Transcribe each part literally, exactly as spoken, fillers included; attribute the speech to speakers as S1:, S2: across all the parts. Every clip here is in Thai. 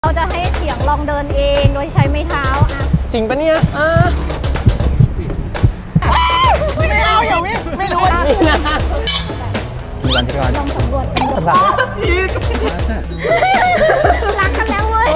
S1: เราจะให้เสียงลองเดินเองโดยใช้ไม้เท้าอะ
S2: จริงปะเนี่ยอ่าไม่เอาอย่าวิ่งไม่รู้นี่นะมีวันที่ก่อน
S1: ลองสำรวจกันดู
S2: สำหรับพีท
S1: รักกันแล้วเว้ย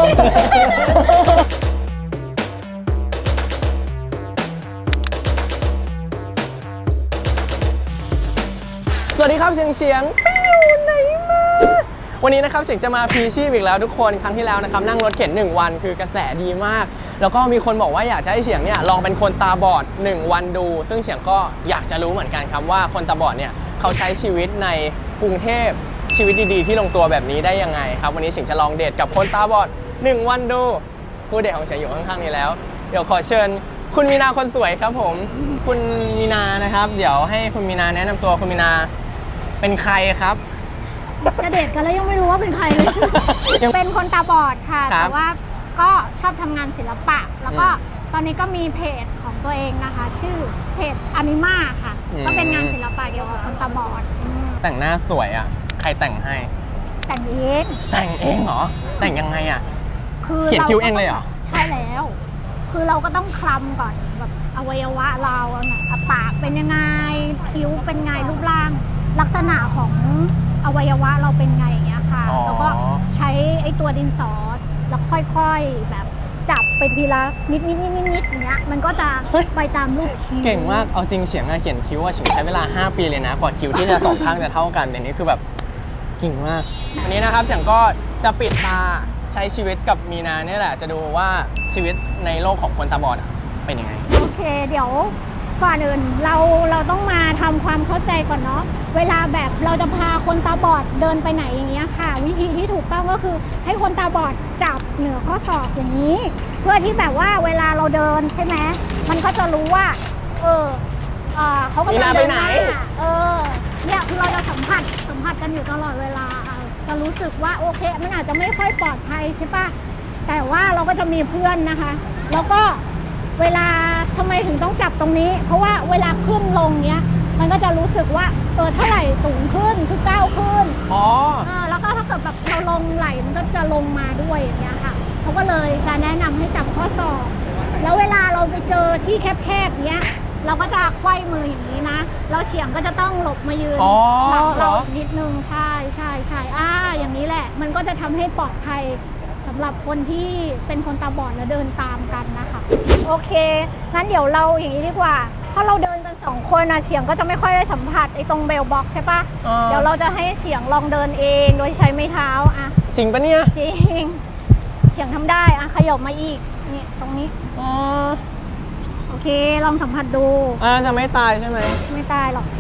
S2: สวัสดีครับเฉียงเฉียงไปอยู่ไหนมาวันนี้นะครับเฉียงจะมาพีชีพอีกแล้วทุกคนครั้งที่แล้วนะครับนั่งรถเข็นหนึ่งวันคือกระแสดีมากแล้วก็มีคนบอกว่าอยากจะให้เฉียงเนี่ยลองเป็นคนตาบอดหนึ่งวันดูซึ่งเฉียงก็อยากจะรู้เหมือนกันครับว่าคนตาบอดเนี่ยเขาใช้ชีวิตในกรุงเทพชีวิตดีๆที่ลงตัวแบบนี้ได้ยังไงครับวันนี้เฉียงจะลองเดทกับคนตาบอดหนึ่งวันดูผู้เดทของเฉียงอยู่ข้างๆนี้แล้วเดี๋ยวขอเชิญคุณมีนาคนสวยครับผมคุณมีนานะครับเดี๋ยวให้คุณมีนาแนะนำตัวคุณมีนาเป็นใครครับ
S1: จะเดทกันแล้วยังไม่รู้ว่าเป็นใครเลยเป็นคนตาบอดค่ะแต่ว่าก็ชอบทำงานศิลปะแล้วก็ตอนนี้ก็มีเพจของตัวเองนะคะชื่อเพจอนิมาค่ะก็เป็นงานศิลปะเกี่ยวกับคนตาบอด
S2: แต่งหน้าสวยอ่ะใครแต่งให้
S1: แต่งเอง
S2: แต่งเองเหรอแต่งยังไงอ่ะ
S1: คือ
S2: เขียนคิ้วเองเลยเหรอ
S1: ใช่แล้วคือเราก็ต้องคลำก่อนแบบอวัยวะเราเนี่ยปากเป็นยังไงคิ้วเป็นไงรูปร่างลักษณะของอวัยวะเราเป็นไงอย่างเงี้ยค่ะแล้วก็ใช้ไอ้ตัวดินสอแล้วค่อยๆแบบจับไปทีละนิดนิดนิดนิดนิดอย่างเงี้ยมันก็จะไปตามรูปคิ้ว
S2: เก่งมากเอาจริงเฉียงอะเขียนคิ้วอะเฉียงใช้เวลาห้าปีเลยนะกว่าคิ้วที่จะสองข้างจะเท่ากันอย่างนี้คือแบบเก่งมากวันนี้นะครับเฉียงก็จะปิดตาใช้ชีวิตกับมีนาเนี่ยแหละจะดูว่าชีวิตในโลกของคนตาบอดเป็นยังไง
S1: โอเคเดี๋ยวก่อนอื่นเราเราต้องมาทำความเข้าใจก่อนเนาะเวลาแบบเราจะพาคนตาบอดเดินไปไหนอย่างเงี้ยค่ะวิธีที่ถูกต้องก็คือให้คนตาบอดจับเหนือข้อศอกอย่างนี้ เพื่อที่แบบว่าเวลาเราเดินใช่ไหมมันก็จะรู้ว่าเออเออเขากำลังเดินหน้าเออเนี่ยคือเราจะสัมผัสสัมผัสกันอยู่ตลอดเวลาจะรู้สึกว่าโอเคมันอาจจะไม่ค่อยปลอดภัยใช่ปะแต่ว่าเราก็จะมีเพื่อนนะคะแล้วก็เวลาทำไมถึงต้องจับตรงนี้เพราะว่าเวลาขึ้นลงเนี้ยมันก็จะรู้สึกว่าเออเท่าไหร่สูงขึ้นคือก้าวขึ้น
S2: อ๋อ
S1: แล้วก็ถ้าเกิดแบบเราลงไหลมันก็จะลงมาด้วยอย่างเงี้ยค่ะเขาก็เลยจะแนะนำให้จับข้อศอกแล้วเวลาเราไปเจอที่แคบๆเนี้ยเราก็จะไขว้มืออย่างนี้นะเราเฉียงก็จะต้องหลบมายืนหลังเรานิดนึงใช่ใช่ใช่อ่าอย่างนี้แหละมันก็จะทำให้ปลอดภัยสำหรับคนที่เป็นคนตาบอดและเดินตามกันนะคะโอเคงั้นเดี๋ยวเราอย่างนี้ดีกว่าเพราะเราเดินกันสองคนนะเฉียงก็จะไม่ค่อยได้สัมผัสไอ้ตรงเบลบ็อกใช่ปะเดี๋ยวเราจะให้เฉียงลองเดินเองโดยใช้ไม้เท้าอะ
S2: จริงปะเนี่ย
S1: จริงเฉียงทำได้อะขยับมาอีกนี่ตรงนี้
S2: อ๋อ
S1: โอเคลองสัมผัสดู
S2: อ่าจะไม่ตายใช่ไหม
S1: ไม่ตายหรอก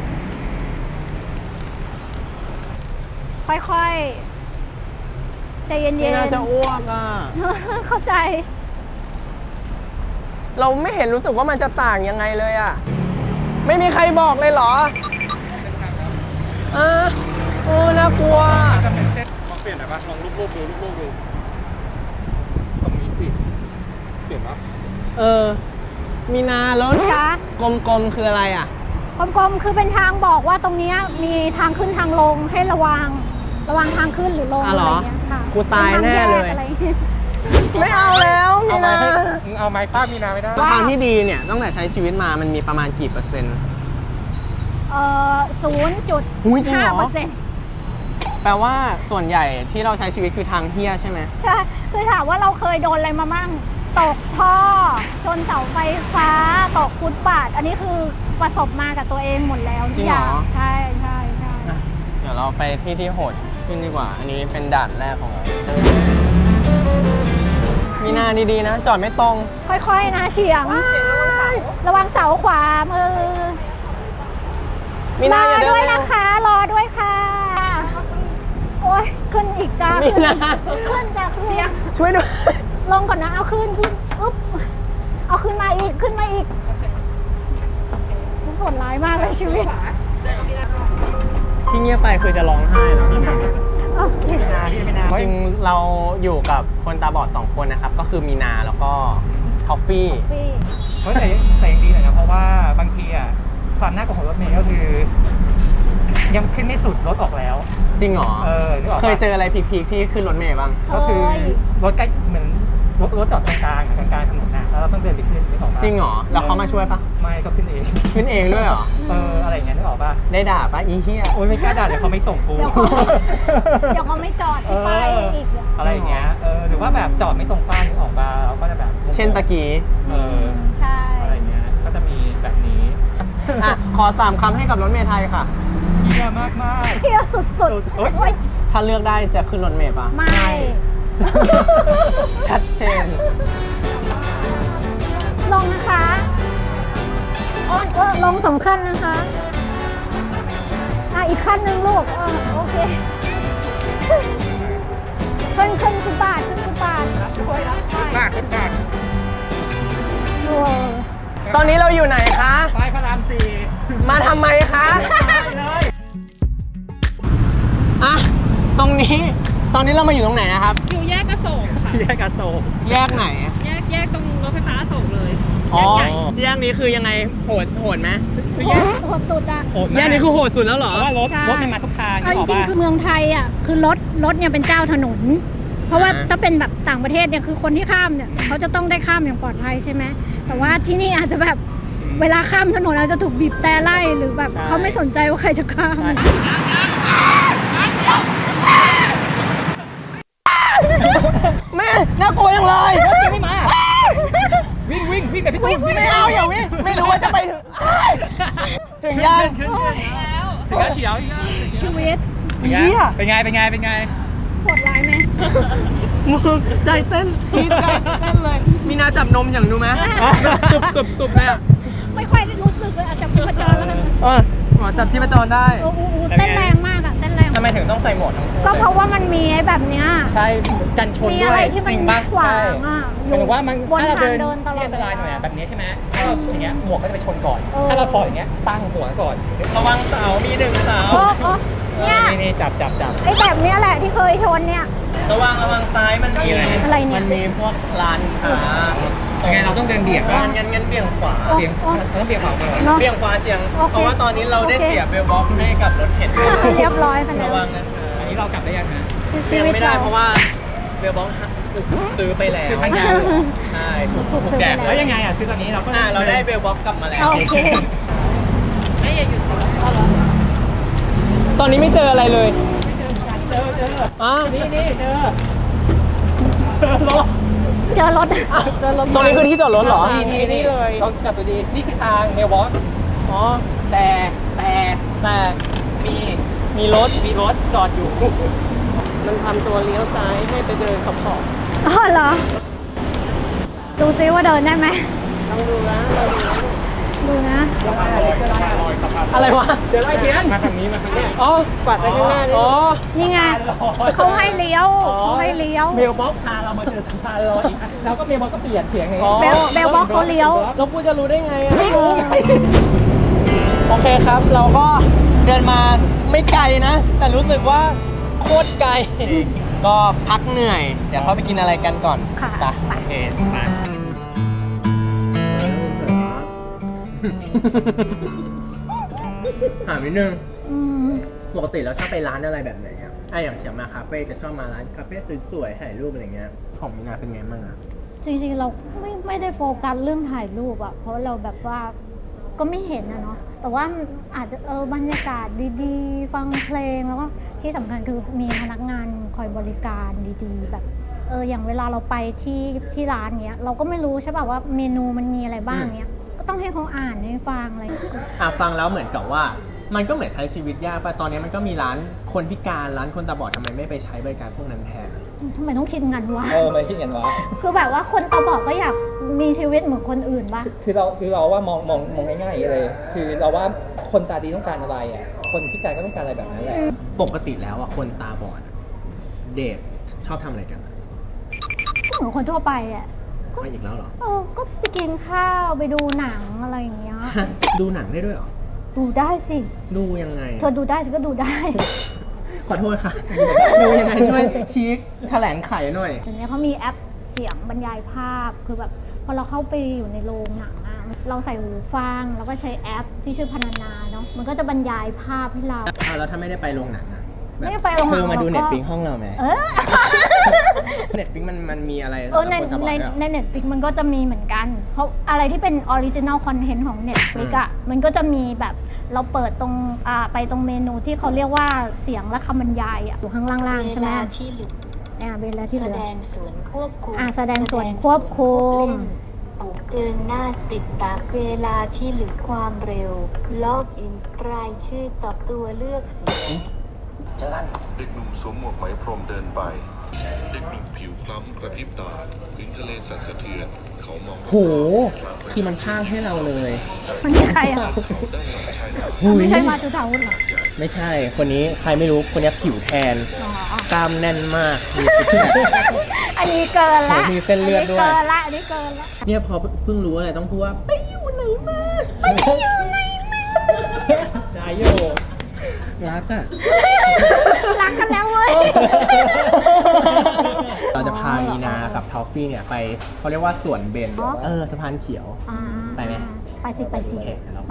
S1: ค่อยๆใจเย็นๆ
S2: ไม่น่าจะอ้วกอ่ะ
S1: เข้าใจ
S2: เราไม่เห็นรู้สึกว่ามันจะต่างยังไงเลยอ่ะไม่มีใครบอกเลยเหรออ่าโอ้น่ากลัว
S3: จะเป็นเส้นลองเปลี่ยนหน่อยปะลองรูปๆดูรูปๆดูตรงนี้สิเปลี่ยนปะ
S2: เออมีนาแล้วกลมๆคืออะไรอ่ะ
S1: กลมๆคือเป็นทางบอกว่าตรงนี้มีทางขึ้นทางลงให้ระวังระวังทางขึ้นหรือลงอะไรอย่างเงี้ยค่ะ
S2: กูตายแน่เลยไม่เอาแล้วมีนา
S3: เอาไม้ฟาดมีนาไม่ได้
S2: ทางที่ดีเนี่ยตั้งแต่ใช้ชีวิตมามันมีประมาณกี่เปอร์เซ็นต์
S1: เอ่อศูนย์จุดห้าเปอร์เซ็นต์
S2: แปลว่าส่วนใหญ่ที่เราใช้ชีวิตคือทางเฮี้ยใช่ไหม
S1: ใช่คือถามว่าเราเคยโดนอะไรมามั่งตกท่อชนเสาไฟฟ้าตกฟุตบาทอันนี้คือประสบมากับตัวเองหมดแล้ว
S2: จริงเหรอ
S1: ใช่ใช่ใช่
S2: เดี๋ยวเราไปที่ที่โหดขึ้นดีกว่าอันนี้เป็นด่านแรกของเรามีนาดีๆนะจอดไม่ตรง
S1: ค่อยๆนะเฉียงระวังเสาขวามือ
S2: มีนาอย่าเดิน
S1: ด้วยนะคะรอด้วยค่ะโอ้ยขึ้นอีกจ้าขึ้นขึ้นจ้าเฉียง
S2: ช่วยด้วย
S1: ลงก่อนนะเอาขึ้นขึ้นอุ๊บเอาขึ้นมาอีกขึ้นมาอีกโหดร้ายมากเลยชีวิต
S2: ที่เงียบไปคือจะร้องไห้แล้วพี่นา
S1: โอเค
S2: จริงเราอยู่กับคนตาบอดสองคนนะครับก็คือมีนาแล้วก็ทอฟฟี่
S3: เฮ้ยแต่แต่ยังดีหน่อยนะเพราะว่าบางทีอ่ะความน่ากลัวของรถเมล์ก็คือ
S4: ยังขึ้นไม่สุดรถออกแล้ว
S2: จริงเหรอ
S4: เออนึกออกปะ
S2: เคยเจออะไรพีคๆที่ขึ้นรถเมล์บ้าง
S4: ก็คือรถใกล้เหมือนรถรถจอดกลางๆกลางๆถนนน่ะแล้วเราต้องเดินไปขึ้นนึกออกปะ
S2: จริงเหรอ แล้วเขามาช่วยปะ
S4: ไม่ก็ขึ้นเอง
S2: ขึ้นเองด้วยเหรอ
S4: เอออะไรอย่างเงี้ยนึกออกปะ
S2: ได้ด่าปะอีเหี้ย
S4: โอ๊ยไม่กล้าด่าเดี๋ยวเขาไม่ส่งกู
S1: เดี๋ยวเขาเดี๋ยวเขาไม่จอดที่ป้ายอีก
S4: อะไรอย่างเงี้ยเออหรือว่าแบบจอดไม่ตรงป้ายนึกออกปะเราก็จะแบบ
S2: เช่นตะกี้
S4: เออ
S1: ใช่
S4: อะไรอย่างเงี้ยก็จะมีแบบนี้
S2: อ่ะขอสามคำให้กับรถเมล์ไทยค่ะ
S4: เยี่ยมากมาก
S1: เที่ยวสุด
S4: โอ๊ย
S1: ๆโอ๊ย
S2: ถ้าเลือกได้จะขึ้นรถเมล์ปะ
S1: ไม่
S2: ชัดเจน
S1: ลงนะคะโอ้ยเออลงสองขั้นนะคะ อ่ะอีกขั้นหนึ่งลูกเออโอเค ขึ้นขึ้นฟุตบาทขึ้นฟุตบาท
S4: ช่วยรับมากขึ้นมาก
S1: โอ้
S2: ตอนนี้เราอยู่ไหนคะ
S4: ป้ายพระรามสี่
S2: มาทำไมคะ
S4: ได้เลย
S2: อ่ะ ตรงนี้ ตอนนี้เรามาอยู่ตรงไหนนะครับ
S5: อยู่แยกอโศกค่ะ
S4: แยกอโศก
S2: แยกไหน
S5: แยกแยกตรงรถไฟฟ้าอโศกเลย
S2: อ๋อ
S5: แยกใหญ่
S2: แยกนี้คือยังไง โหด โหดไหม
S4: คือ
S1: โห
S4: แยก
S1: โหดสุดอ่ะ
S4: โหด
S2: แยกนี้คือโหดสุดแล้วเหรอ
S4: เพราะว่ารถ
S1: ใช่
S4: รถมันมาทุกทาง
S1: เอา
S4: นึก
S1: จ
S4: ออก
S1: ริง
S4: ปะ
S1: ๆคือเมืองไทยอ่ะคือรถรถเนี่ยเป็นเจ้าถนน เพราะว่า
S2: อ่า
S1: ถ้าเป็นแบบต่างประเทศเนี่ยคือคนที่ข้ามเนี่ยเขาจะต้องได้ข้ามอย่างปลอดภัยใช่ไหมแต่ว่าที่นี่อาจจะแบบเวลาข้ามถนนอาจจะถูกบีบแต่ไล่หรือแบบเขาไม่สนใจว่าใครจะข้าม
S2: แม่น่ากลัวยังเลย
S4: ไม่มาวิ่งวิ่งวิ่งไปพี่ตูน
S2: ไม่เอาอย่าวิ่งไม่รู้ว่าจะไปถึงถึงยัง
S4: ขึ้นขึ้นขึ้นแล้วเฉียวอีกแล้ว
S1: ชีวิต
S2: เฮีย
S4: เป็นไงเป็นไงเป็นไง
S1: โหดร้ายไหม
S2: มึงใจเต้นพีดใจเต้นเลย มีนาจับนมอย่างดูไหมตุบตุบตุบเลยอ่ะ
S1: ไม่ค่อยได้รู้สึกเลยอาจจะพิจารแล้วกัน
S2: เออหมอจับที่ประจรได้
S1: โอ้โหเต้นแรงมากอ่ะเต้นแรง
S2: ทำไมถึงต้องใส่หมวกทั้งคู่
S1: ก็เพราะว่ามันมีไอ้แบบเนี้ย
S4: ใช่กันชน
S1: มี
S4: ด้
S1: อะ
S4: ว
S1: ไร
S4: ย
S1: ที่มัน
S2: จริงปะ
S1: ขวางอ่ะ
S4: หมายถึงว่ามัน
S1: บน
S4: ถ้าเรา
S1: ทาง
S4: เดิน
S1: เดินตลอ
S4: ที่
S1: ด
S4: อันตรายหน่อยอะแบบนี้ใช่ไหมถ้าเราอย่างเงี้ยหมวกก็จะไปชนก่อน ถ้าเราถอดอย่างเงี้ยตั้งหัวก่อน
S2: ระวังเสามีหนึ่งเสา
S1: โอ้โอ้เนี่ย
S4: นี่นี่จับจับจับ
S1: ไอ้แบบเนี้ยแหละที่เคยชนเนี่ย
S2: ระวังระวังซ้ายมันมี
S1: อะไรเนี่ย
S2: มันมีพวกร้านค้า
S4: ยังไงเราต้องเดินเบียด
S2: ร้า
S4: บ้าง
S2: นงั้นงั้นเบี่ยงขวา
S4: เบียงเราต้องเบียงขวาก่อน
S1: เนาะ
S2: เบี่ยงขวาเฉียง
S1: โอเค
S2: เพราะว่าตอนนี้เราได้
S1: โอเค
S2: เสียเบลบ็อกซ์ให้กับรถเข็นด้วย
S1: เรียบร้อยไปแล้
S2: ระ
S1: ว
S2: วังนะคะ
S4: อันนี้เรากลับได้ยังฮะ
S1: ชี
S2: ยัง
S1: วิต
S2: ไม่ได้
S1: เรา
S2: เพราะว่าเบลบ็อกซ์ถูกซื้อไปแล้ว
S4: คือทางยาวเหรอ
S2: ใช่ถูก
S1: ถูกซื้อ
S2: แจก
S1: ไป
S4: แล้ว
S1: แล้
S4: ยังไงอ่ะคือตอนนี้เราก็
S2: อ่าเราได้เบลบ็อกซ์กลับมาแล้ว
S1: โอเค
S5: ไม่อย่าหยุดก่อน
S2: ตอนนี้ไม่เจออะไรเลย
S4: เจอเจอ
S2: อ่ะ
S4: นี่นี่เจอเจอรถ
S1: เจอรถ
S2: ตรงนี้คือที่จอดรถเหรอ
S4: นี่นี่นี่เลยเรากลับไปดีนี่คือทางเมลวอล์ก
S2: อ๋อ
S4: แต่แต่
S2: แต่
S4: มี
S2: มีรถ
S4: มีรถจอดอยู่
S5: มันทำตัวเลี้ยวซ้ายให้ไปเดินขอบขอบ
S1: อ๋อเหรอ ดูซิว่าเดินได้ไหม
S5: ต้องดูนะเราดูนะ
S1: ดูนะ
S2: อะไรวะ
S5: เดี๋ยวไล่เทียน
S4: มาทางนี้มาทางนี้
S2: อ๋อ
S5: กวาดไปข้างหน้านี่
S2: อ๋อ
S1: นี่ไงเขาให้เลี้ยวเขาให้เลี้ยว
S4: เมลบ็อกพาเรามาเจอสะพานลอยอีกแล้วก็เมลบ็อกก็เปลี่ยนเสียงไง
S2: อ๋อ
S1: เบลเบลบอกเขาเลี้ยว
S2: แล้วกูจะรู้ได้ไงอะ
S4: ไม่รู้ไง
S2: โอเคครับ เราก็เดินมาไม่ไกลนะ แต่รู้สึกว่าโคตรไกล ก็พักเหนื่อย เดี๋ยวเข้าไปกินอะไรกันก่อน
S1: ค่ะ
S2: ไป
S1: ไป
S2: โอเคไปถามนิดนึง
S1: อืม
S2: ปกติเราชอบไปร้านอะไรแบบไหนครับอ่ะอย่างเฉียงมาคาเฟ่จะชอบมาร้านคาเฟ่สวยๆถ่ายรูปอะไรเงี้ย ของมินาเป็นไงบ้างอะ
S1: จริงๆเราไม่ไม่ได้โฟกัสเรื่องถ่ายรูปอะเพราะเราแบบว่าก็ไม่เห็นนะเนาะแต่ว่าอาจจะเออบรรยากาศดีๆ ฟังเพลงแล้วก็ที่สำคัญคือมีพนักงานคอยบริการดีๆ แบบเอออย่างเวลาเราไปที่ที่ร้านเงี้ยเราก็ไม่รู้ใช่ป่ะว่าเมนูมันมีอะไรบ้างเงี้ยก็ต้องให้เขาอ่านให้ฟังอะไร
S2: อ่ะฟังแล้วเหมือนกับว่า มันก็เหมือนใช้ชีวิตยากป่ะตอนนี้มันก็มีร้านคนพิการร้านคนตาบอดทำไมไม่ไปใช้บริการพวกนั้นแทน
S1: ทำไมต้องคิดงันวะ
S4: เออไม่คิดกันวะ
S1: คือแบบว่าคนตาบอดก็อยากมีชีวิตเหมือนคนอื่นป่ะ
S4: คือเราคือเราว่ามองมองมองง่ายๆเลย คือเราว่าคนตาดีต้องการอะไรอ่ะคนพิการก็ต้องการอะไรแบบนั้นแหละ
S2: ปกติแล้วอ่ะคนตาบอดอะเดทชอบทำอะไรกันอะ
S1: ก็เหมือนคนทั่วไปอ่ะ
S2: มาอีกแล้วเหรอ
S1: เออก็ไปกินข้าวไปดูหนังอะไรอย่างเงี้ย
S2: ฮะดูหนังได้ด้วยเหรอ
S1: ดูได้สิ
S2: ดูยังไง
S1: เธอดูได้ฉันก็ดูได้
S2: ขอโทษค่ะ ดูยังไงช่วยชี้แถลงไขหน่อย
S1: เดี๋ยวนี้เขามีแอปเสียงบรรยายภาพคือแบบพอเราเข้าไปอยู่ในโรงหนังอะเราใส่หูฟังแล้วก็ใช้แอปที่ชื่อพนันนาเนาะมันก็จะบรรยายภาพให้เรา
S2: อ่าแล้วถ้าไม่ได้ไปโรงหนังอะ
S1: ไม่ได้ไปโรงหนัง
S2: เธอมาดู
S1: เราก็
S2: เน็ตฟิกห้องเราไหม
S1: เออ
S2: เน็ตฟิกมันมันมีอะไร
S1: เออใน
S2: สำหรับคนตาบอด
S1: ใน
S2: ด้วยเหรอ
S1: ในเน็ตฟิกมันก็จะมีเหมือนกัน เพราะอะไรที่เป็นออริจิน l ลคอนเทนต์ของ Netflix อ่ะมันก็จะมีแบบเราเปิดตรงอ่าไปตรงเมนูที่เขาเรียกว่าเสียงและคำบรรยายอ่ะอยู่ข้างล่างๆใช่ไหม
S6: เวลาที่เหลือ
S1: อ่าเวลาที่เห
S6: แส
S1: ลือ
S6: ดงส่วนควบคุม
S1: อ่าแสดงส่วนควบคุม
S6: ปุ่มเดินหน้าติดตามเวลาที่เหลือความเร็วล็อกอินรายชื่อตอบตัวเลือกเสียง
S2: เจอกัน
S7: เด็กหนุ่มสวมหมวกไหมพรมเดินไป เด็กหนุ่มผิวคล้ำกระพริบตาพื้นทะเลสั่นสะเทือน เขามอง
S2: โห คือมันพากให้เราเลย
S1: มันคือใครอ่ะ
S7: เขาได้หลังชายหาด
S1: ไม่ใช่มาจุธาวุฒิเหรอ
S2: ไม่ใช่ คนนี้ใครไม่รู้ คนนี้ผิวแทน
S1: อ๋อ
S2: กล้ามแน่นมากมีซิกแพค
S1: อันนี้เกินละ
S2: โหมีเส้นเลือดด้วย
S1: นนี้เกินละอันนี้เกินละ
S2: เนี่ยพอเพิ่งรู้อะไรต้องพูดว่าไปอยู่ไหนมาไปอยู่ไหนมาใจโยรักอ่ะ
S1: รักกันแล้วเว้ย
S2: เราจะพามีนากับทอฟฟี่เนี่ยไปเขาเรียกว่าสวนเบน
S1: อ๋อ
S2: เออสะพานเขียว
S1: อ่า
S2: ไปไหม
S1: ไปสิไปสิ
S2: โอเคเดี๋ยวเราไป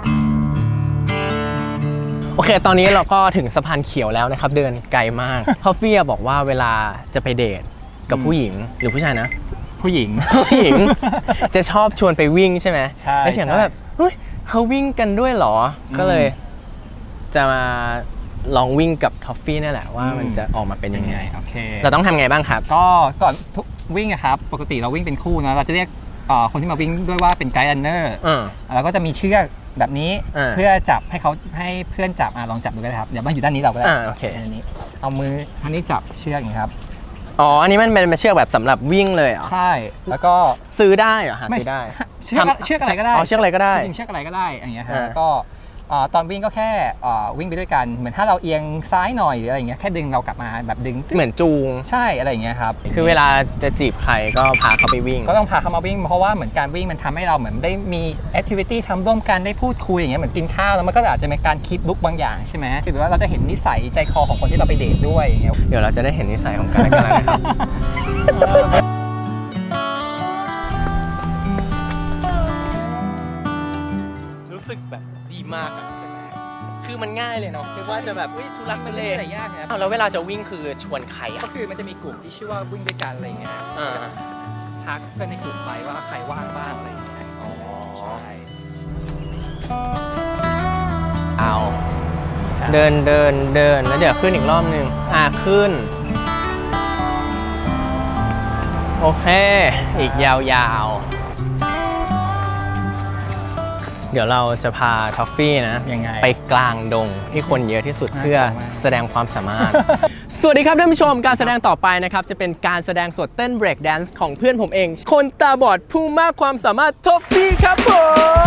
S2: โอเค ตอนนี้เราก็ถึงสะพานเขียวแล้วนะครับ เดินไกลมากทอฟฟี่บอกว่าเวลาจะไปเดทกับผู้หญิงหรือผู้ชายนะ
S4: ผู้หญิง
S2: ผู้หญิง จะชอบชวนไปวิ่งใช่ไหม
S4: ใช่
S2: แล้วเฉียงก็
S4: ใช่
S2: แบบเฮ้ยเขาวิ่งกันด้วยเหรอ
S4: อืม
S2: ก็เลยจะมาลองวิ่งกับทอฟฟี่นี่แหละว่ามันจะออกมาเป็นยังไง
S4: โอเค
S2: เราต้องทำไงบ้างครับ
S4: ก็ก่อนทุกวิ่งอะครับปกติเราวิ่งเป็นคู่นะเราจะเรียกเอ่อคนที่มาวิ่งด้วยว่าเป็นไกด์รันเนอร์
S2: อืม
S4: แล้วก็จะมีเชือกแบบนี้
S2: อ่า
S4: เพื่อจับให้เขาให้เพื่อนจับอ่ะลองจับดูก็ได้ครับเดี๋ยวมันอยู่ด้านนี้เราก็ได้
S2: อ่าโอเค
S4: อันนี้เอามือท่างนี้จับเชือกอย่างนี้ครับ
S2: อ๋อ อันนี้มันเป็นเชือกแบบสำหรับวิ่งเลยเหรอ
S4: ใช่แล้วก็
S2: ซื้อได้เหรอหาซื้อได้
S4: เชือก
S2: ทำ
S4: เชือกอะไรก็ได้
S2: อ๋อเชือกอะไรก็ได้
S4: จริงๆเชือกอะไรก็ได้อย่างเงี้ยฮะ
S2: อ่า
S4: แล้วก็เอ่อตอนวิ่งก็แค่เอ่อวิ่งไปด้วยกันเหมือนถ้าเราเอียงซ้ายหน่อยหรืออะไรอย่างเงี้ยแค่ดึงเรากลับมาแบบดึง
S2: เหมือนจูง
S4: ใช่อะไรอย่างเงี้ยครับ
S2: คือเวลาจะจีบใครก็พาเขาไปวิ่ง
S4: ก็ต้องพาเขามาวิ่งเพราะว่าเหมือนการวิ่งมันทำให้เราเหมือนได้มีแอคทิวิตี้ทำร่วมกันได้พูดคุยอย่างเงี้ยเหมือนกินข้าวแล้วมันก็อาจจะมีการคิดลุกบางอย่างใช่ไหมหรือว่าเราจะเห็นนิสัยใจคอของคนที่เราไปเดทด้วยอย่างเงี้ย
S2: เดี๋ยวเราจะได้เห็นนิสัยของกันและกันแล้วนะครับรู้สึกแบบดีมากอะใช่ไหมคือมันง่ายเลยเนาะคือว่าจะแบบอุ้ยทุลักทุเล
S4: มันไม่ได้อะไรยากนะ
S2: อ้าวแล้วเวลาจะวิ่งคือชวนใคร
S4: ก็
S2: อ่ะ
S4: คือมันจะมีกลุ่มที่ชื่อว่าวิ่งด้วยกันอะไรอย่างเงี้ยครับ
S2: อ่า
S4: ทักเพื่อนในกลุ่มไปว่าใครว่างบ้างอะไรอย่างเงี้ย
S2: อ๋อ
S4: ใช่
S2: เอาเดินเดินเดินแล้วเดี๋ยวขึ้นอีกรอบหนึ่งอ่ะขึ้น โอเค อีกยาวๆ เดี๋ยวเราจะพาท็อฟฟี่นะ
S4: ยังไง
S2: ไปกลางดงที่คนเยอะที่สุด
S4: น่า
S2: เพื่อก
S4: ลัวมาก
S2: แสดงความสามารถ สวัสดีครับท่านผู้ชมการแสดงต่อไปนะครับ จะเป็นการแสดงสดเต้นเบรกแดนซ์ของเพื่อนผมเอง คนตาบอดผู้มากความสามารถท็อฟฟี่ครับผม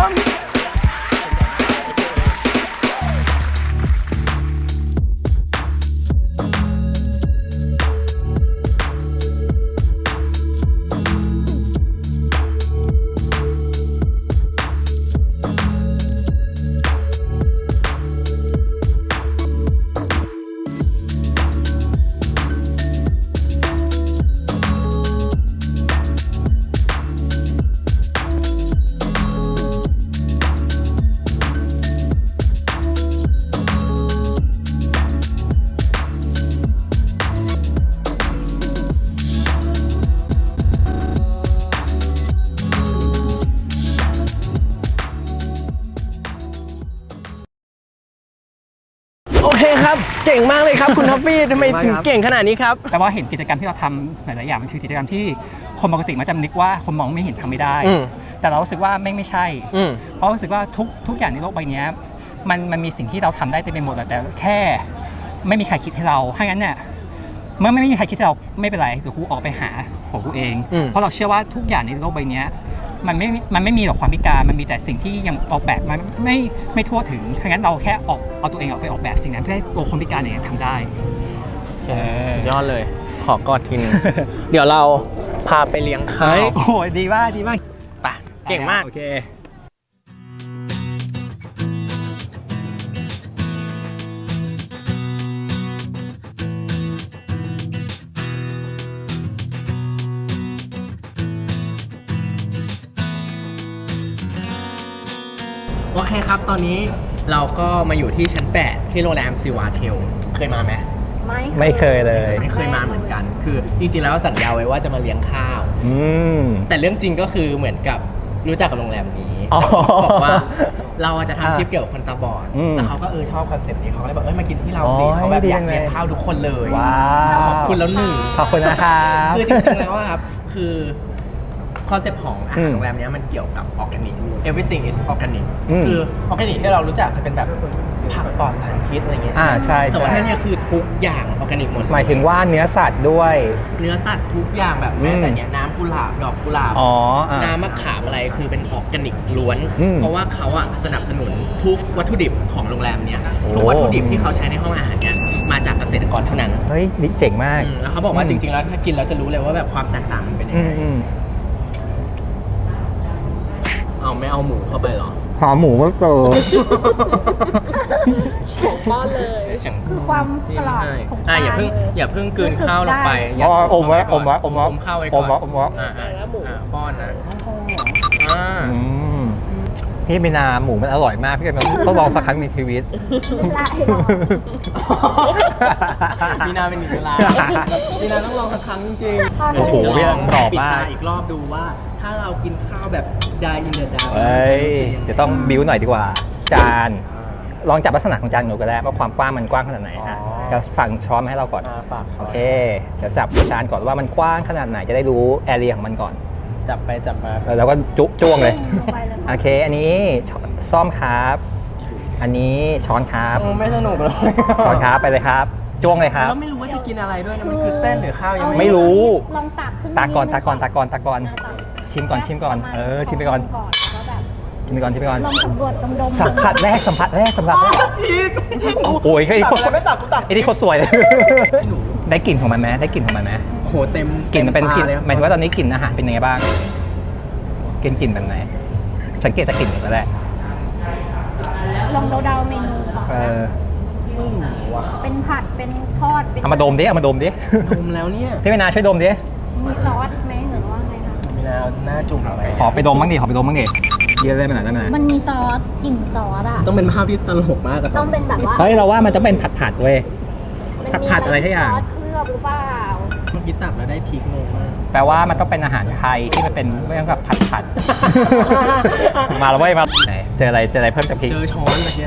S2: โอเคครับ เก่งมากเลยครับคุณท็อฟฟี่ทำไมถึงเก่งขนาดนี้ครับ
S4: แต่ว่าเห็นกิจกรรมที่เราทำหลายๆอย่างมันคือกิจกรรมที่คนปกติมักจะนึกว่าคนมองไม่เห็นทำไม่ได้
S2: อืม
S4: แต่เรารู้สึกว่าไม่ไม่ใช่
S2: อืม
S4: เพราะรู้สึกว่าทุกทุกอย่างในโลกใบนี้มันมันมีสิ่งที่เราทำได้เต็มไปหมดแต่แค่ไม่มีใครคิดให้เราถ้างั้นเนี่ยเมื่อไม่มีใครคิดให้เราไม่เป็นไรเดี๋ยวกูออกไปหาของกูเอง
S2: อืม
S4: เพราะเราเชื่อว่าทุกอย่างในโลกใบนี้มันไม่มันไม่มีหรอกความพิการมันมีแต่สิ่งที่ยังออกแบบมันไม่ไม่ทั่วถึงถ้างั้นเราแค่ออกเอาตัวเองออกไปออกแบบสิ่งนั้นเพื่อให้ตัวคนพิการเนี่ยทำได้
S2: สุดยอดเลย ขอกอดทีนึง เดี๋ยวเราพาไปเลี้ยงข้าว
S4: โอ้ยดีมากดีมาก
S2: ไปเก่งมาก
S4: โอเค
S2: โอเคครับตอนนี้เราก็มาอยู่ที่ชั้นแปดที่โรงแรมซิวาเทลเคยมาไหม
S1: ไม่
S4: ไม่เคยเลย
S2: ไม่เคยมาเหมือนกัน คือจริงๆแล้วสัญญาไว้ว่าจะมาเลี้ยงข้าว
S4: อืม
S2: แต่เรื่องจริงก็คือเหมือนกับรู้จักกับโรงแรมนี้
S4: อ๋อ
S2: บอกว่าเราจะทำคลิปเกี่ยวกับคนตาบอด
S4: อืม
S2: แล้วเขาก็เออชอบคอนเซ็ปต์นี้เขาก็เลยบอกเออมากินที่เราสิ
S4: โอ้ย
S2: เขาแบบ
S4: ดี
S2: อยาก
S4: จังเลย
S2: เลี้ยงข้าวทุกคนเลย
S4: ว้าว
S2: ขอบคุณแล้วหนึ่ง
S4: ขอบคุณนะครับ
S2: คือจริงๆแล้วอะครับคือคอนเซ็ปต์ของอา
S4: อื
S2: หาร
S4: ม
S2: โรงแรมเนี้ยมันเกี่ยวกับออร์แกนิก everything is organic
S4: อืม
S2: คือออร์แกนิกที่เรารู้จักจะเป็นแบบผักปลอดสารพิษอะไรเงี้ย
S4: อ่าใช่
S2: แต่ว่า
S4: ใช่
S2: ที่เนี่ยคือทุกอย่างออร์แกนิกหมดเล
S4: หมายถึงว่าเนื้อสัตว์ด้วย
S2: เนื้อสัตว์ทุกอย่างแบบแม้แต่เนี่ยน้ำกุหลาบดอกกุหลาบ
S4: อ๋ออ่ะ
S2: น้ำมะขามอะไรคือเป็นออร์แกนิกล้วน
S4: อืม
S2: เพราะว่าเขาอะสนับสนุนทุกวัตถุดิบของโรงแรมเนี่ย
S4: โอ้
S2: ทุกวัตถุดิบที่เขาใช้ในห้องอาหารเนี่ยมาจากเกษตรกรเท่านั้น
S4: เฮ้ยนี่เจ๋งมาก
S2: อืมแล้วเขาบอกว่าจริงๆแล้วถ้ากินแล้วจะรู้เลยว่าแบบความแตกต่างมันเป็นยัง
S4: อื
S2: ไง
S4: มอืม
S2: เอาไม่เอาหมูเข้าไปเหรอ
S4: หอมหมูก็เกิน
S5: บ้านเลย
S1: คือความ
S2: จิ้
S1: ก
S2: ม
S1: รอบ
S2: ให้
S1: ของป
S2: อ่ะ
S1: ลา
S2: อย่าเพิ่ง
S1: เลย
S2: อย่าเพิ่งกลืนข้าวลงไป
S1: รู้สึกได้
S2: ย่า
S4: อ๋ออมไว้อมไว้
S2: ก่น
S4: อมไว้
S2: อมข้าวไว้ก่อน
S4: อมไว้อมไว้
S2: อ่าอ่า
S5: แล้วหมู
S2: อ่าป้อนนะอ่า
S4: อืมพี่มีนาหมูมันอร่อยมากพี่กันต้องลองสักครั้งในชีวิต
S1: ได้
S2: มีนาเป็นหนึ่งเวลามีนาต้องลองสักครั้งจริงๆ
S4: โอ้โห
S2: เดี๋ยวฉันจะลอง
S4: กรอบ
S2: ปิด
S4: มาก
S2: ตาอีกรอบดูว่า ถ้าเรากินข้าวแบบดายอินเดอะดาว
S4: เฮ้ยเดี๋ยวต้องบิ้วหน่อยดีกว่า จานลองจับลักษณะของจานหนูก็ได้ว่าความกว้างมันกว้างขนาดไหนฮะจะฝั่งช้อนมาให้เราก่อน
S2: อ่าฝาก
S4: โอเคเดี๋ยวจับจานก่อนว่ามันกว้างขนาดไหนจะได้รู้แอเรียของมันก่อน
S2: จับไปจับมา
S4: แล้วก็จุจ้วงเลย
S1: ลงไปเลย
S4: โอเค อันนี้ช้อนซ่อมครับ อันนี้ช้อนครับ
S2: ไม่สนุกเลย
S4: ช้อนครับไปเลยครับ จ้วงเลยครับ
S2: แล้วไม่รู้ว่าจะกินอะไรด้วยนะ มันคือเส้นหรือข้าวยัง
S4: ไม่รู้
S1: ลองตักขึ้น
S4: ตาก่อน
S1: ดง
S4: ตาก่อนตาก่อนตาก่อน
S1: อ่ะตัก
S4: ชิมก่อนชิมก่อน เออ ชิมไปก่อน
S1: แล้วแบบ
S4: ชิมไปก่อนชิมไปก่อน
S1: ลองสำรวจดมดม
S4: สัมผัสแรกสัมผัสแรกสัมผัสแรก
S2: พีก
S4: โอ้ยไอ้คน
S2: ตักอะไรไม่ตักกูตัก
S4: ไอ้นี่โคตรสวยเลย ได้กลิ่นของมันไหมได้กลิ่นของมันไหม
S2: โหเต็ม
S4: กลิ่นมันเป็นกลิ่น
S2: เลย
S4: หมายถึงว่าตอนนี้กลิ่นอาหารเป็นยังไงบ้างกลิ่นกลิ่นแบบไหน สังเกตจากกลิ่นก็ได้
S1: ลองเดาๆเมนูก่อน
S4: เออ
S1: เป็นผัดเป็นทอดเป็น
S4: เอามาดมดิเอามาดมดิ
S2: ดมแล้วเนี่ย
S4: พี่เวนาช่วยดมดิ
S1: มีซอสไหมหรือว่าไงคะ
S2: มีนาหน้าจุ่มอะไร
S4: ขอไปดมบ้างดิขอไปดมบ้างดิเยอะเลยไปหน่อยได้ไหม
S1: มันมีซอสกลิ่นซอสอะ
S2: ต้องเป็นภาพที่ตลกมากอะ
S1: ต้องเป็นแบบว่า
S4: เฮ้ยเราว่ามันต้องเป็นผัดผัดๆเว้ย
S1: มันมี
S4: ผัดๆอะไรสักอย่าง
S1: ซอสเคลือบหรือเปล่า
S2: เมื่อกี้ตักแล้วได้พริกงงมาก
S4: แปลว่ามันต้องเป็นอาหารไทยที่มันเป็นเรื่องกับผัดผัด มาแล้วเว้ยมาไหนเจออะไรเจออะไรเพิ่มจากพริก
S2: เจอช้อนเมื่อกี้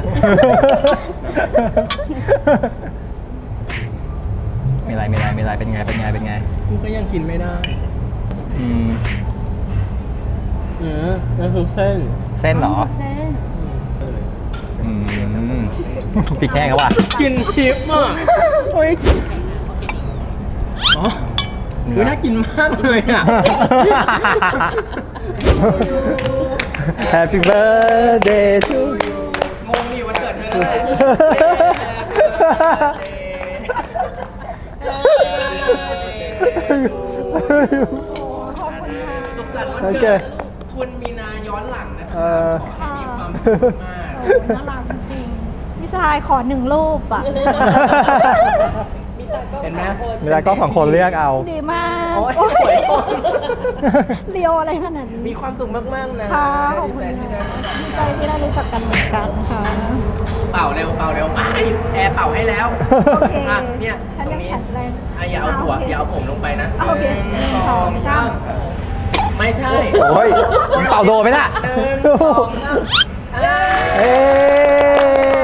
S4: มีอะไรมีอะไรมีอะไรเป็นไงเป็นไงเป็นไง
S2: กูก็ยังกินไม่ได้
S4: อืม
S2: อืมนั่นคือเส้น
S4: เส้นเหรอ
S1: เส้น
S4: อืมพริกแห้งเขาว่ะ
S2: กินชิปอ่ะโอ้ยอ๋อดูน่ากินมากเลยอ่ะ
S4: Happy birthday to you
S2: งงนี่วันเกิดเธอแหละ สุขสันต์วัน
S4: โอเค
S2: เกิดคุณมีนาย้อนหลังนะค
S4: เอ
S2: รับ
S4: อ
S2: ขอให้มีความสุขมาก
S1: โอ้โหน่ารักจริงพี่ชายขอหนึ่งรูปอะ
S5: มีตากล้อง
S2: เห็นไหม
S5: สามคน
S4: เวลาก็ของคนเลือกเอา
S1: ดีมาก
S2: โอ้ย
S1: โอ้ย
S2: สวยโคตร
S1: เลียวอะไรขนาดนี้
S2: มีความสุขมาก ๆ นะ
S1: ค่ะขอบ
S2: ดี
S1: คุณ
S2: ใจที่ได้
S1: ดีใจที่ได้รู้จักกันเหมือนกันค่ะ
S2: เป่าเร็วเป่าเร็วไปแอร์เป่าให้แล้ว
S1: โอเค
S2: อ่ะเนี่ย
S1: ฉัน
S2: ตร
S1: ยัง
S2: งนี้
S1: แข็งแรง
S2: อ่ะอย่าเอาหัวอย่าเอาผมลงไปนะ
S1: โอเค
S2: หนึ่งสองสามไม่ใช่
S4: โอ้ยมึงเป่าโดนไหมน่ะ
S2: หนึ่งสองสามเอ้ย
S4: เอ้ย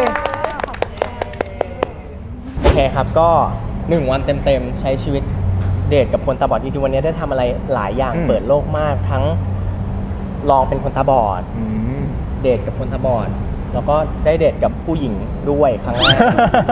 S2: โอเคครับก็หนึ่งวันเต็มๆใช้ชีวิตเดทกับคนตาบอดจริงๆวันนี้ได้ทำอะไรหลายอย่าง
S4: อืม
S2: เปิดโลกมากทั้งลองเป็นคนตาบอด
S4: อืม
S2: เดทกับคนตาบอด แล้วก็ได้เดทกับผู้หญิงด้วยครั้งแรก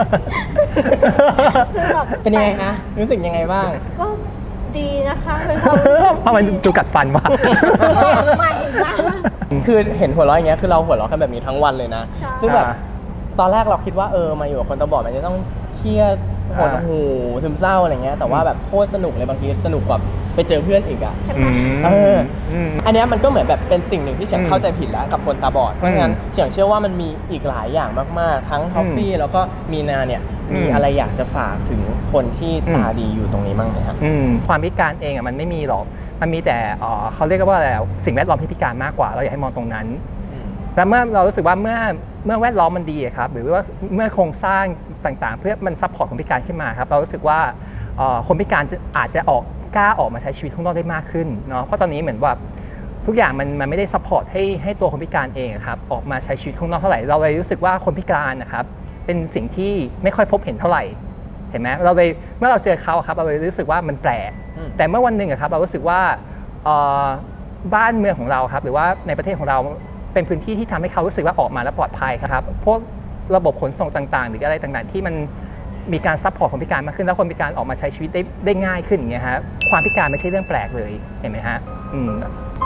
S1: ซึ่งแบบ
S2: เป็นยังไงคะรู้สึกยังไงบ้าง
S1: ก็ดีนะคะเป็นความรู้สึก
S4: เพราะมันดูกัดฟันว่ะ
S1: ใหม่มาก
S2: คือเห็นหัวเราะอย่างเงี้ยคือเราหัวเราะกันแบบนี้ทั้งวันเลยนะ
S1: ใช่
S2: ซึ่งแบบ
S4: อ่า
S2: ตอนแรกเราคิดว่าเออมาอยู่กับคนตาบอดมันจะต้องเครียดหด
S4: อ่า
S2: หูซึมเศร้าอะไรเงี้ยแต่ว่าแบบโคตรสนุกเลยบางทีสนุกกว่าไปเจอเพื่อนอีกอ่ะ
S1: ใช่ไห
S4: อื
S1: ม
S4: ม
S2: เออ
S4: อืม
S2: อันเนี้ยมันก็เหมือนแบบเป็นสิ่งหนึ่งที่เฉียง
S4: อืม
S2: เข้าใจผิดแล้วกับคนตาบอด เพราะฉะนั้นเฉียงเชื่อว่ามันมีอีกหลายอย่างมากๆ ทั้งท็อฟฟี่แล้วก็มีนาเนี่ย
S4: อืม
S2: มีอะไรอยากจะฝากถึงคนที่
S4: อืม
S2: ตาดีอยู่ตรงนี้บ้างไหมครับ
S4: อืมความพิการเองอ่ะมันไม่มีหรอก มันมีแต่เอ่อเขาเรียกว่าอะไรอ่ะสิ่งแวดล้อมที่พิการมากกว่า เราอยากให้มองตรงนั้นแต่เมื่อเรารู้สึกว่าเมื่อเมื่อแวดล้อมมันดีครับหรือว่าเมื่อโครงสร้างต่างๆ เพื่อมันซัพพอร์ตคนพิการขึ้นมาครับเรารู้สึกว่าคนพิการอาจจะออกกล้าออกมาใช้ชีวิตข้างนอกได้มากขึ้นเนาะเพราะตอนนี้เหมือนว่าทุกอย่างมันมันไม่ได้ซัพพอร์ตให้ให้ตัวคนพิการเองครับออกมาใช้ชีวิตข้างนอกเท่าไหร่เราเลยรู้สึกว่าคนพิการนะครับเป็นสิ่งที่ไม่ค่อยพบเห็นเท่าไหร่เห็นไหมเราเลยเมื่อเราเจอเขาครับเราเลยรู้สึกว่ามันแปลกแต่เมื่อวันหนึ่งครับเรารู้สึกว่าบ้านเมืองของเราครับหรือว่าในประเทศของเราเป็นพื้นที่ที่ทำให้เขารู้สึกว่าออกมาแล้วปลอดภัยครับพวกระบบขนส่งต่างๆหรืออะไรต่างๆที่มันมีการซัพพอร์ตคนพิการมากขึ้นแล้วคนพิการออกมาใช้ชีวิตได้ได้ง่ายขึ้นอย่างเงี้ยฮะความพิการไม่ใช่เรื่องแปลกเลยเห็นไหมฮะอืม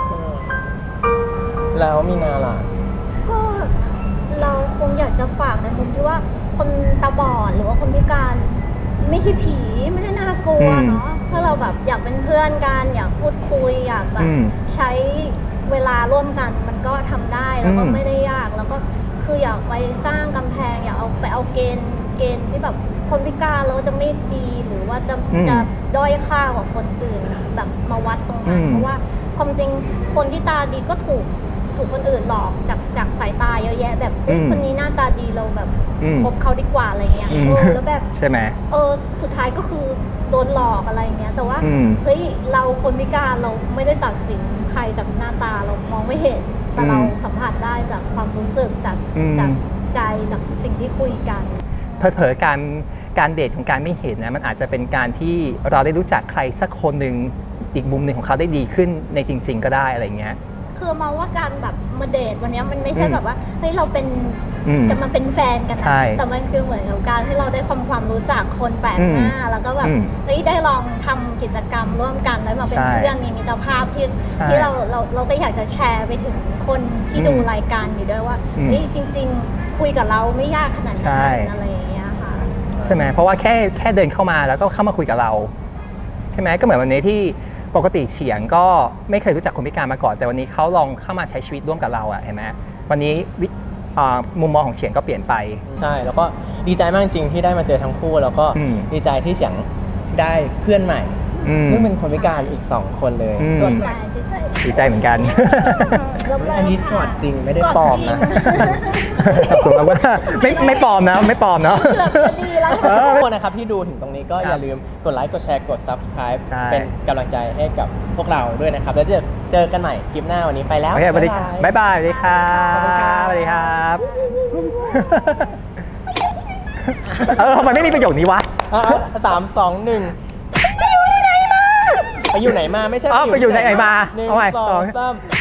S2: แล้วมีนาล่ะ
S8: ก็เราคงอยากจะฝากในมุมที่ว่าคนตาบอดหรือว่าคนพิการไม่ใช่ผีไม่ได้น่ากลัวเนาะถ้าเราแบบอยากเป็นเพื่อนกันอยากพูดคุยอยากแบบใช้เวลาร่วมกันมันก็ทำได้แล้วก็ไม่ได้ยากแล้วก็คืออยากไปสร้างกำแพงอยากเอาไปเอาเกณฑ์เกณฑ์ที่แบบคนพิการแล้วจะไม่ดีหรือว่าจะจะด้อยค่ากว่าคนอื่นแบบมาวัดตรงนั้นเพราะว่าความจริงคนที่ตาดีก็ถูกถูกคนอื่นหลอกจากจากสายตาเยอะแยะแบบคนนี้หน้าตาดีเราแบบคบเขาดีกว่าอะไรเงี้ยเออแล้วแบบ
S4: ใช่ไหม
S8: เออสุดท้ายก็คือโดนหลอกอะไรเงี้ยแต่ว่าเฮ้ยเราคนพิการเราไม่ได้ตัดสินใครจากหน้าตาเรามองไม่เห็นแต่เราสัมผัสได้จากความรู้สึกจากจากใจจากสิ่งที่คุยกัน
S4: เผลอๆการการเดทของการไม่เห็นนะมันอาจจะเป็นการที่เราได้รู้จักใครสักคนหนึ่งอีกมุมหนึ่งของเขาได้ดีขึ้นในจริงๆก็ได้อะไรเงี้ย
S8: คือมาว่าการแบบมาเดทวันนี้มันไม่ใช่แบบว่าเฮ้ยเราเป็นจะมาเป็นแฟนกันนะแต่มันคือเหมือนกับการที่เราได้ความความรู้จักคนแปลกหน้าแล้วก็แบบเฮ้ยได้ลองทำกิจกรรมร่วมกันแล้วมาเป็นเพื่อนมีมิตรภาพที่ที่เราเราเราก็อยากจะแชร์ไปถึงคนที่ดูรายการอยู่ด้วยว่าเฮ้ยจริงๆคุยกับเราไม่ยากขนาดนั้นอะไรอย่างเงี้ยค่ะ
S4: ใช่ไหมเพราะว่าแค่แค่เดินเข้ามาแล้วก็เข้ามาคุยกับเราใช่ไหมก็เหมือนวันนี้ที่ปกติเฉียงก็ไม่เคยรู้จักคนพิการมาก่อนแต่วันนี้เขาลองเข้ามาใช้ชีวิตร่วมกับเราอะเห็นไหมวันนี้มุมมองของเฉียงก็เปลี่ยนไป
S2: ใช่แล้วก็ดีใจมากจริงที่ได้มาเจอทั้งคู่แล้วก็ดีใจที่เฉียงได้เพื่อนใหม่ซึ่งเป็นคนพิการอีกสองคนเลย
S4: ดีใจเหมือนกัน
S2: อันนี้กอดจริงไม่ได้ปลอมนะ
S4: ผมว่าไม่ไม่ปลอมนะไม่ปลอมเนาะ
S2: ทุกคนนะครับที่ดูถึงตรงนี้ก็อย่าลืมกดไลค์กดแชร์กด ซับสไครบ์ เป็นกำลังใจให้กับพวกเราด้วยนะครับแล้วจะเจอกันใหม่คลิปหน้าวันนี้ไปแล้ว
S4: สวัสดีครับบ๊ายบายสวัสดีครับสวัสดีครับเออทำไมไม่มีประโยคนี้วะ
S2: สามสองหนึ่งไปอยู่ไหนมาไม่ใช่
S4: ไปอยู่ไหนมา
S2: หนึ่งสองสาม